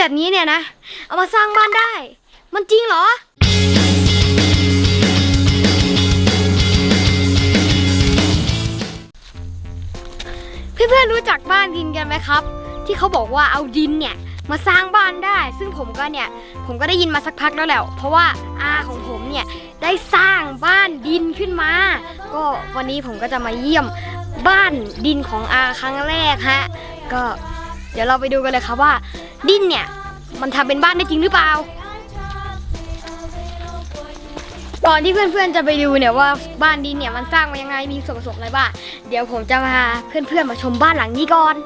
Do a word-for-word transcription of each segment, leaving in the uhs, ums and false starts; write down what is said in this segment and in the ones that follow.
แบบนี้เนี่ยนะเอามาสร้างบ้านได้มันจริงเหรอเพื่อนๆรู้จักบ้านดินกันไหมครับที่เขาบอกว่าเอาดินเนี่ยมาสร้างบ้านได้ซึ่งผมก็เนี่ยผมก็ได้ยินมาสักพักแล้วแหละเพราะว่าอาของผมเนี่ยได้สร้างบ้านดินขึ้นมาก็วันนี้ผมก็จะมาเยี่ยมบ้านดินของอาครั้งแรกฮะก็เดี๋ยวเราไปดูกันเลยครับว่าดินเนี่ยมันทำเป็นบ้านได้จริงหรือเปล่าก่อนที่เพื่อนๆจะไปดูเนี่ยว่าบ้านดินเนี่ยมันสร้างมายังไงมีส่วนผสมอะไรบ้างเดี๋ยวผมจะพาเพื่อนๆมาชมบ้านหลังนี้ก่อน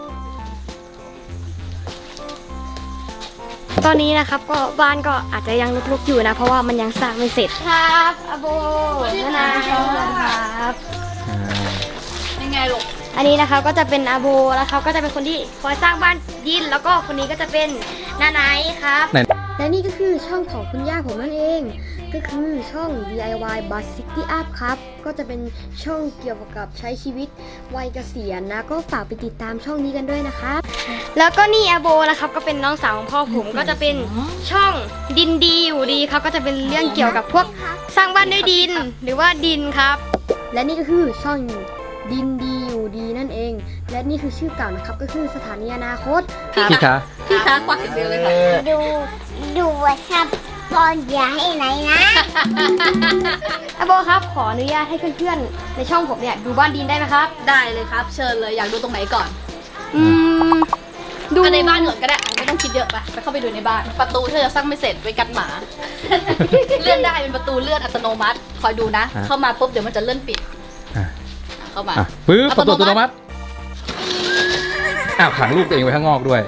ตอนนี้นะครับก็บ้านก็อาจจะยังลุกๆอยู่นะเพราะว่ามันยังสร้างไม่เสร็จครับอาโบนานาครับยังไงลูกอันนี้นะครับก็จะเป็นอาโบแล้วเขาก็จะเป็นคนที่คอยสร้างบ้านดินแล้วก็คนนี้ก็จะเป็นนาไนครับและนี่ก็คือช่องของคุณย่าผมนั่นเองก็คือช่อง ดี ไอ วาย Bus City Up ครับก็จะเป็นช่องเกี่ยวกับใช้ชีวิตวัยเกษียณนะก็ฝากไปติดตามช่องนี้กันด้วยนะครับแล้วก็นี่อาโบนะครับก็เป็นน้องสาวของพ่อผมก็จะเป็นช่องดินดีอยู่ดีครับก็จะเป็นเรื่องเกี่ยวกับพวกสร้างบ้านด้วยดินหรือว่าดินครับและนี่ก็คือช่องดินดีอยู่ดีนั่นเองและนี่คือชื่อเก่านะครับก็คือสถานีอนาคตพี่คะพี่คะกวักเดียวเลยค่ะดูดูว่าชับบอลอย่าให้ไหนนะอาโบครับขออนุญาตให้เพื่อนๆในช่องผมเนี่ยดูบ้านดินได้ไหมครับได้เลยครับเชิญเลยอยากดูตรงไหนก่อนอืมดูในบ้านก่อนก็ได้ไม่ต้องคิดเยอะไปไปเข้าไปดูในบ้านประตูถ้าจะสร้างไม่เสร็จไว้กันหมาเลื่อนได้เป็นประตูเลื่อนอัตโนมัติคอยดูนะเข้ามาปุ๊บเดี๋ยวมันจะเลื่อนปิดเข้ามาปึ๊บประตูอัตโนมัติอ้าวขังลูกตัวเองไว้ข้างนอกด้วย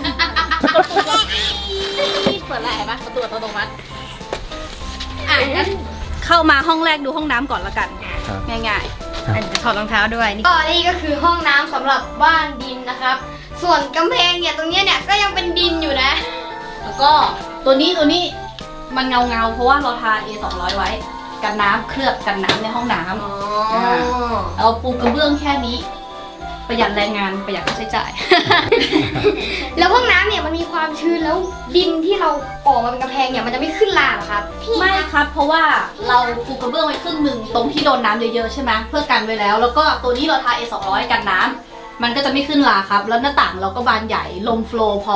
เปิดอะไรไหมประตูอัตโนมัติอ่ะงั้นเข้ามาห้องแรกดูห้องน้ำก่อนละกันง่ายๆถอดรองเท้าด้วยก็นี่ก็คือห้องน้ำสำหรับบ้านดินนะครับส่วนกำแพงเนี่ยตรงนี้เนี่ยก็ยังเป็นดินอยู่นะแล้วก็ตัวนี้ตัวนี้มันเงาเงาเพราะว่าเราทา เอ สองร้อย ไว้กันน้ำเคลือบกันน้ำในห้องน้ำเราปูกระเบื้องแค่นี้ประหยัดแรงงานประหยัดค่าใช้จ่ายแล้วห้องน้ำเนี่ยมันมีความชื้นแล้วดินที่เราออกมาเป็นกำแพงเนี่ยมันจะไม่ขึ้นลาหรอครับไม่ครับเพราะว่าเราปูกระเบื้องไว้ครึ่งหนึ่งตรงที่โดนน้ำเยอะๆใช่ไหมเพื่อกันไว้แล้วแล้วก็ตัวนี้เราทา เอ สองร้อย กันน้ำมันก็จะไม่ขึ้นลาครับแล้วหน้าต่างเราก็บานใหญ่ลมโฟลว์พอ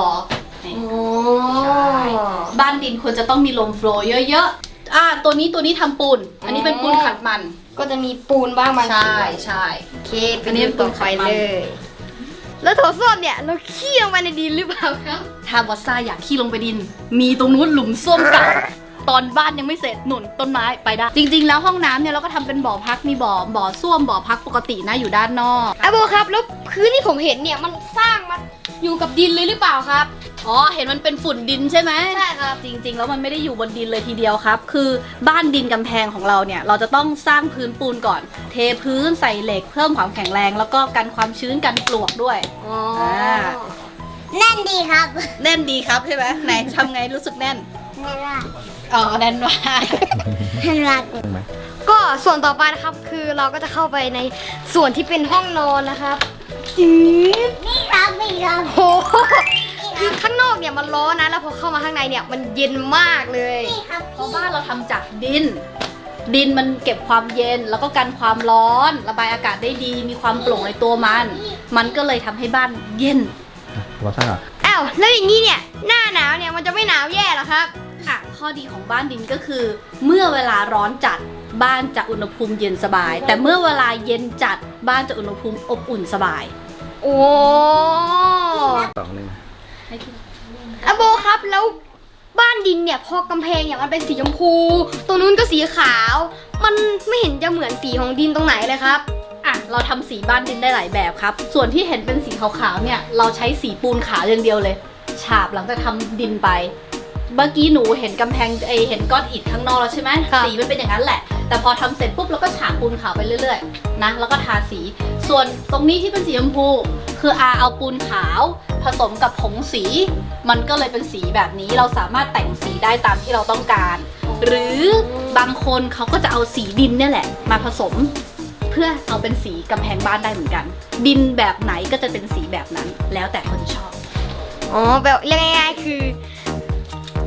บ้านดินควรจะต้องมีลมโฟลว์เยอะๆอ่าตัวนี้ตัวนี้ทำปูนอันนี้เป็นปูนขัดมันก็จะมีปูนบ้างบางใช่ใช่โอเคอันนี้เป็นปูนไฟเลยแล้วโถส้วมเนี่ยเราขี้ลงไปในดินหรือเปล่าครับถ้าบอสซ่าอยากขี้ลงไปดินมีตรงนู้นหลุมส้วมเก่าตอนบ้านยังไม่เสร็จหนุนต้นไม้ไปได้จริงๆแล้วห้องน้ำเนี่ยเราก็ทำเป็นบ่อพักมีบ่อบ่อส้วมบ่อพักปกตินะอยู่ด้านนอกอาโบครับแล้วพื้นที่ผมเห็นเนี่ยมันสร้างมาอยู่กับดินเลยหรือเปล่าครับอ๋อเห็นมันเป็นฝุ่นดินใช่ไหมใช่ครับจริงๆแล้วมันไม่ได้อยู่บนดินเลยทีเดียวครับคือบ้านดินกำแพงของเราเนี่ยเราจะต้องสร้างพื้นปูนก่อนเทพื้นใส่เหล็กเพิ่มความแข็งแรงแล้วก็กันความชื้นกันปลวกด้วยอ๋อแน่นดีครับแน่นดีครับใช่ไหมไหนทำไงรู้สึกแน่นแน่นมากอ๋อแน่นมากแน่นมากก็ส่วนต่อไปนะครับคือเราก็จะเข้าไปในส่วนที่เป็นห้องนอนนะครับจืดนี่ครับนี่ครับโอ้คือข้างนอกเนี่ยมันร้อนนะแล้วพอเข้ามาข้างในเนี่ยมันเย็นมากเลยเพราะบ้านเราทำจากดินดินมันเก็บความเย็นแล้วก็กันความร้อนระบายอากาศได้ดีมีความโปร่งในตัวมันมันก็เลยทำให้บ้านเย็นว่าซ่าอ้าวแล้วอย่างนี้เนี่ยหน้าหนาวเนี่ยมันจะไม่หนาวแย่หรอครับค่ะข้อดีของบ้านดินก็คือเมื่อเวลาร้อนจัดบ้านจะอุณหภูมิเย็นสบายแต่เมื่อเวลาเย็นจัดบ้านจะอุณหภูมิอบอุ่นสบายโอ้สองหนึ่งอาโบครับแล้วบ้านดินเนี่ยพอกำแพงเนี่ยมันเป็นสีชมพูตรงนู้นก็สีขาวมันไม่เห็นจะเหมือนสีของดินตรงไหนเลยครับอ่ะเราทำสีบ้านดินได้หลายแบบครับส่วนที่เห็นเป็นสีขาวๆเนี่ยเราใช้สีปูนขาวอย่างเดียวเลยฉาบหลังจากทำดินไปเมื่อกี้หนูเห็นกำแพงไอเห็นก้อนอิฐข้างนอกแล้วใช่ไหมสีมันเป็นอย่างนั้นแหละแต่พอทำเสร็จปุ๊บเราก็ฉาบปูนขาวไปเรื่อยๆนะแล้วก็ทาสีส่วนตรงนี้ที่เป็นสีชมพูคืออาเอาปูนขาวผสมกับผงสีมันก็เลยเป็นสีแบบนี้เราสามารถแต่งสีได้ตามที่เราต้องการหรือบางคนเขาก็จะเอาสีดินเนี่ยแหละมาผสมเพื่อเอาเป็นสีกำแพงบ้านได้เหมือนกันดินแบบไหนก็จะเป็นสีแบบนั้นแล้วแต่คนชอบอ๋อแบบเรียกง่ายๆคือ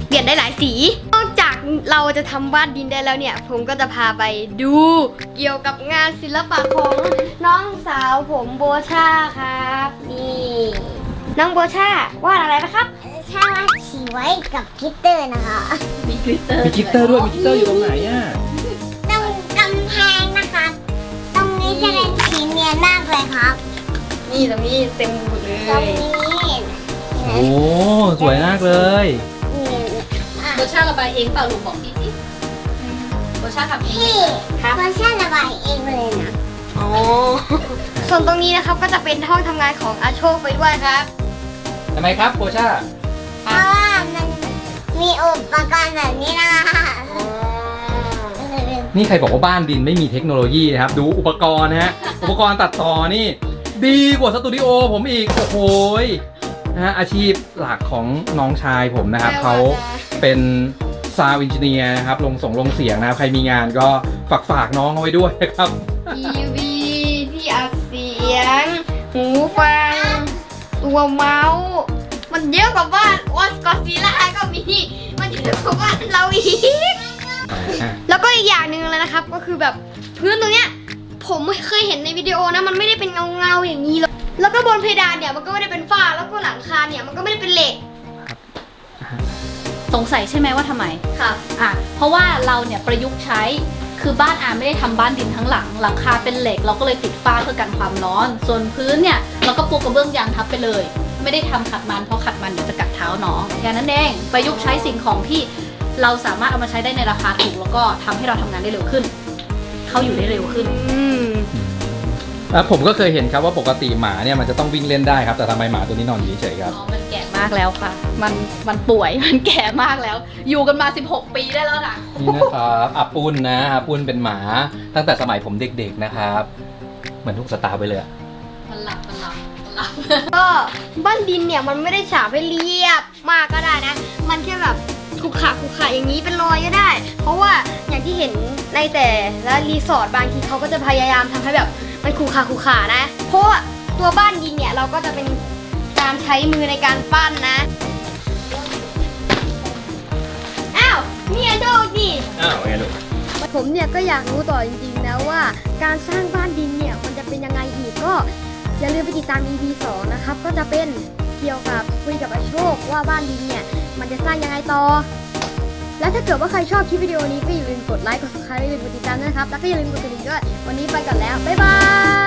เปลี่ยนได้หลายสี นอกจากเราจะทำบ้านดินได้แล้วเนี่ย ผมก็จะพาไปดูเกี่ยวกับงานศิลปะของน้องสาวผมโบชาครับนี่น้องโบชาวาดอะไรนะครับชาว่าฉีไว้กับกลิตเตอร์นะคะมีกลิตเตอร์มีกิตเตอร์ด้วย มีกิตเตอร์อยู่ตรงไหนอ่ะตรงกำแพงนะคะ ตรงนี้จะเป็นสีเนียนมากเลยครับนี่ตรงนี้เต็มหมดเลตรงยนี้โอ้สวยมากเลยนี่อ่ะโบชาระบายเองเปล่าลูกบอกพี่สิโบชาทำเองพี่ครับเพราะชาระบายเองเลยนะอ๋อ ส่วนตรงนี้นะครับก็จะเป็นห้องทำงานของอาโชคไปด้วยครับทำไมครับโบชาเพราะว่ามันมีอุปกรณ์แบบนี้นะคะนี่ใครบอกว่าบ้านดินไม่มีเทคโนโลยีนะครับ ดูอุปกรณ์นะฮะ อุปกรณ์ตัดต่อนี่ ดีกว่าสตูดิโอผมอีก โอ้โหยนะฮะอาชีพหลักของน้องชายผมนะครับแม่ว่าเขาจะเป็นซาวด์เอนจิเนียร์นะครับ ลงส่งลงเสียงนะครับ ใครมีงานก็ฝากฝากน้องเอาไว้ด้วยนะครับทีวีที่อัดเสียง หูฟัง ตัวเมาส์ มันเยอะกว่าบ้านวอสกอตซีล่าก็มี มันเยอะกว่าบ้านเราอีก แล้วก็อีกอย่างหนึ่งเลยนะครับ ก็คือแบบพื้นตรงเนี้ย ผมไม่เคยเห็นในวิดีโอนะ มันไม่ได้เป็นเงาเงาๆอย่างนี้เลยแล้วก็บนเพดานเนี่ยมันก็ไม่ได้เป็นฝ้า แล้วก็หลังคาเนี่ยมันก็ไม่ได้เป็นเหล็กสงสัยใช่ไหมว่าทำไมค่ะอ่ะ เพราะว่าเราเนี่ยประยุกต์ใช้ คือบ้านอาไม่ได้ทำบ้านดินทั้งหลัง หลังคาเป็นเหล็ก เราก็เลยติดฝ้าเพื่อกันความร้อน ส่วนพื้นเนี่ยเราก็ปูกระเบื้องยางทับไปเลย ไม่ได้ทำขัดมันเพราะขัดมันเดี๋ยวจะกัดเท้าน้องแค่นั้นเอง ประยุกต์ใช้สิ่งของที่เราสามารถเอามาใช้ได้ในราคาถูกแล้วก็ทำให้เราทำงานได้เร็วขึ้น เขาอยู่ได้เร็วขึ้นอืมแล้วผมก็เคยเห็นครับว่าปกติหมาเนี่ยมันจะต้องวิ่งเล่นได้ครับ แต่ทำไมหมาตัวนี้นอนอยู่เฉยๆครับอ๋อ มันแก่มากแล้วค่ะ มัน มันป่วย มันแก่มากแล้ว อยู่กันมา สิบหก ปีได้แล้วนะนี่นะครับอาปุ้นนะอาปุ้นเป็นหมาตั้งแต่สมัยผมเด็กๆนะครับ เหมือนทุกสตาร์ไปเลยอะมันหลับ มันหลับ มันหลับก็บ้านดินเนี่ยมันไม่ได้ฉาบให้เรียบมากก็ได้นะ มันแค่แบบขรุขระขรุขระอย่างนี้เป็นรอยก็ได้ เพราะว่าอย่างที่เห็นในแต่ละรีสอร์ทบางทีเขาก็จะพยายามทำให้แบบมันขรุขระขรุขระนะ เพราะว่าตัวบ้านดินเนี่ยเราก็จะเป็นการใช้มือในการปั้นนะ อ้าวเนี่ยโชคดีอ้าวไงลูกผมเนี่ยก็อยากรู้ต่อจริงๆนะว่าการสร้างบ้านดินเนี่ยมันจะเป็นยังไงอีกก็อย่าลืมไปติดตาม อี พี สองนะครับก็จะเป็นเกี่ยวกับคุยกับอาโชคว่าบ้านดินเนี่ยมันจะสร้างยังไงต่อ และถ้าเกิดว่าใครชอบคลิปวิดีโอนี้ก็อย่าลืมกดไลค์กด ซับสไครบ์ อย่าลืมกดติดตามด้วยนะครับแล้วก็อย่าลืมกดกระดิ่งด้วยวันนี้ไปก่อนแล้วบ๊ายบาย